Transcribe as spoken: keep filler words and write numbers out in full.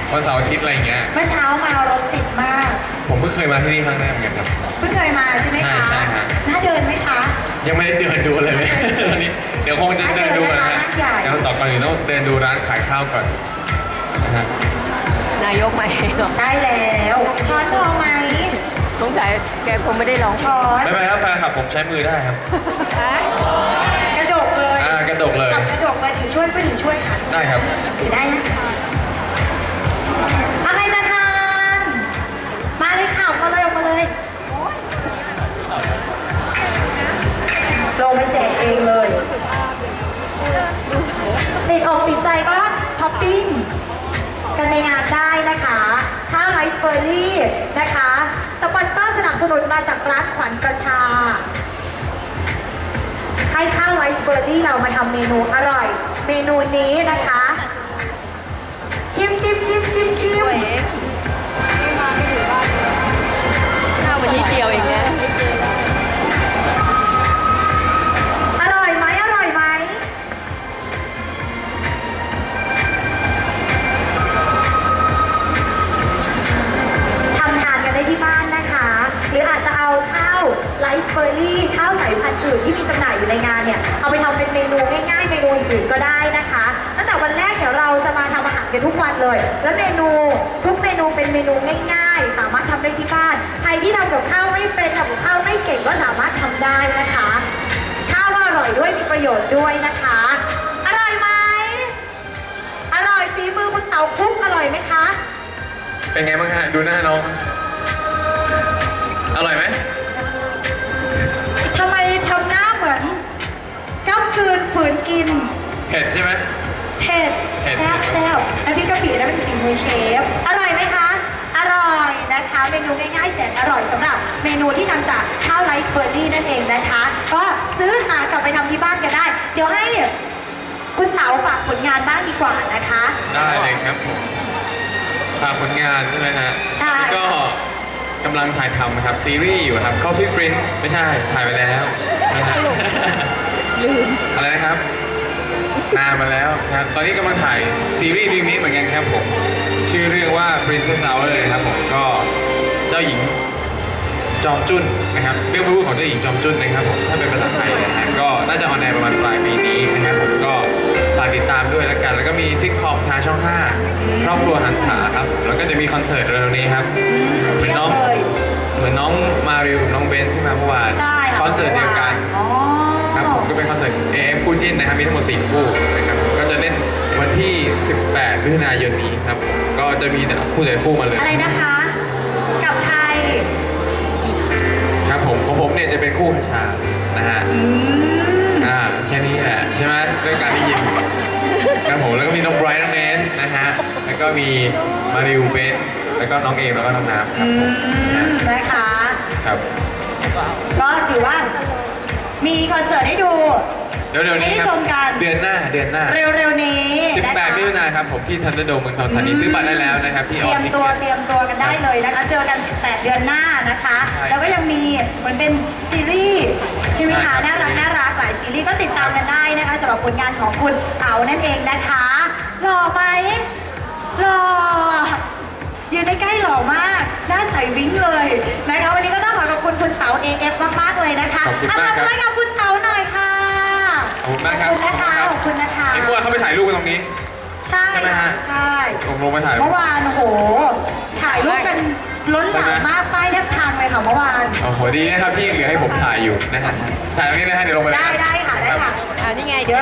วันเสาร์อาทิตย์อะไรอย่างเงี้ยเมื่อเช้ามารถติดมากผมเพิ่งเคยมาที่นี่ครั้งแรกเหมือนกันครับเพิ่งเคยมาใช่ไหมคะใช่ใช่ครับน่าเดินไหมคะยังไม่ได้เดินดูเลยเลยตอนนี้เดี๋ยวคงจะเดินดูนะฮะร้านใหญ่เดี๋ยวต่อก่อนอื่นต้องเดินดูร้านขายข้าวก่อนนะฮะนายกมาเองเหรอได้แล้วช้อนพอไหมสงสัยแกคงไม่ได้ร้องช้อนไม่เป็นไรครับแฟนคลับผมใช้มือได้ครับกระดกเลยอ่ากระดกเลยจับกระดกเลยถือช่วยไปถือช่วยค่ะได้ครับถือได้นะอะไรจะทานมาเลยค่ะออกมาเลยออกมาเลยลงไปแจกเองเลยติดอกติดใจก็ช้อปปิ้งกันในงานได้นะคะข้าวไรซ์เบอร์รี่นะคะสปอนเซอร์สนับสนุนมาจากร้านขวัญประชา ให้ข้าวไรซ์เบอร์รี่เรามาทำเมนูอร่อย เมนูนี้นะคะ ชิมชิมชิมชิมชิมด้วยเองข้าววันนี้เดียวเองนะอร่อยไหมอร่อยไหมทำทานกันได้ที่บ้านนะคะ หรืออาจจะเอาข้าวไรซ์เบอร์รี่ข้าวสายพันธุ์อื่นที่มีจำหน่ายอยู่ในงานเนี่ย เอาไปทำเป็นเมนูง่ายๆ เมนูอื่นๆก็ได้นะคะตั้งแต่วันแรกเดี๋ยวเราจะมาทำอาหารกันทุกวันเลย แล้วเมนูทุกเมนูเป็นเมนูง่ายๆ สามารถทำได้ที่บ้านใครที่ทำกับข้าวไม่เป็นทำกับข้าวไม่เก่งก็สามารถทำได้นะคะ ข้าวก็อร่อยด้วยมีประโยชน์ด้วยนะคะ อร่อยไหมอร่อยฝีมือคุณเต๋าคุกอร่อยไหมคะเป็นไงบ้างฮะดูหน้าน้องอร่อยไหมทำไมทำหน้าเหมือนก้ำกืนฝืนกินเผ็ดใช่ไหมเผ็ดเผ็ดแซ่บแซ่บน้ำพริกกะปินั่นเป็นฝีมือเชฟ อร่อยไหมคะ อร่อยนะคะ เมนูง่ายๆแสนอร่อยสำหรับเมนูที่ทำจากข้าวไรซ์เบอร์รี่นั่นเองนะคะ ก็ซื้อหากลับไปทำที่บ้านกันได้ เดี๋ยวให้คุณเต๋าฝากผลงานบ้างดีกว่านะคะได้เลยครับผมฝากผลงานใช่ไหมฮะใช่ก็กำลังถ่ายทำนะครับซีรีส์อยู่ครับ Coffee Print ไม่ใช่ถ่ายไปแล้วนะฮะลืมอะไรนะครับนานมาแล้วนะครับตอนนี้กำลังถ่ายซีรีส์เรื่องนี้เหมือนกันครับผมชื่อเรื่องว่า Princess Hour เลยครับผมก็เจ้าหญิงจอมจุ้นนะครับเรื่องพระผู้ของเจ้าหญิงจอมจุ้นนะครับผมถ้าเป็นภาษาไทยนะฮะก็น่าจะออนแอร์ประมาณปลายปีนี้นะครับผมก็ฝากติดตามด้วยแล้วกันแล้วก็มีซิทคอมทางช่องห้าครอบครัวหันษาครับแล้วก็จะมีคอนเสิร์ตเร็วๆนี้ครับเหมือนน้องเทียบเลยเหมือนน้องมาริวกับน้องเบนที่มาเมื่อวานใช่ะคอนเสิร์ตเดียวกันอ๋อครับผมก็เป็นคอนเสิร์ต เอ เอ็ม คู่จิ้นนะครับมีทั้งหมดสี่คู่นะครับก็จะเล่นวันที่ สิบแปดมิถุนายนนี้ครับผมก็จะมีแต่คู่แต่คู่มาเลยอะไรนะคะ กับใครครับผมของผมเนี่ยจะเป็นคู่พชานะฮะอืมอ่าแค่นี้แหละใช่ไหมเรื่องการได้ยินครับผมแล้วก็มีน้องไบรท์น้องเนสนะฮะแล้วก็มีมาริวเบนแล้วก็น้องเอมแล้วก็น้องน้ำครับอืผมนะมนะคะครับก็ถือว่ามีคอนเสิร์ตให้ดูเดี๋ยวเดี๋ยวนี้ให้ได้ครัชมกันเดือนหน้าเดือนหน้าเร็วๆนี้สิบแปดนะคะมิถุนายนครับผมที่ทันเดอร์โดมเมืองทองธานีซื้อบัตรได้แล้วนะครับที่เตอรีอยมทิตัวเก็ตเตรียมตัวกันได้เลยนะคะ เจอกันสิบแปดเดือนหน้านะคะใช่แล้วก็ยังมีเหมือนเป็นซีรีส์ใช่ไหมใช่ครัคะบน่ารักน่ารักหลายซีรีส์ก็ติดตามกันได้นะคะสำหรับผลงานของคุณเต๋านั่นเองนะคะหล่อไหมหล่อยืนใกล้ๆหล่อมากหน้าใสวิ้งเลยนะคะวันนี้ก็ต้องขอขอบคุณคุณเต๋า เอ เอฟ มากๆเลยนะคะขอบคุณมากครับอ่ะปรบมือให้กับคุณเต๋าหน่อยค่ะขอบคุณมากครับขอบคุณนะคะขอบคุณนะคะไอ้พวกเขาไปถ่ายรูปกันตรงนี้ใช่ใช่ไหมฮะใช่ลงลงไปถ่ายรูเมื่ปอวานโอ้โห ถ่ายรูปกันล้นหลามมากป้ายแทบพังเลยค่ะเมื่อวานโอ้โหดีนะครับที่ยังเหลือให้ผมถ่ายอยู่นะฮะถ่ายตรงนี้นะฮะเดี๋ยวลงไปเลยได้ได้ค่ะได้ค่ะอ่านี่ไงเดี๋ยว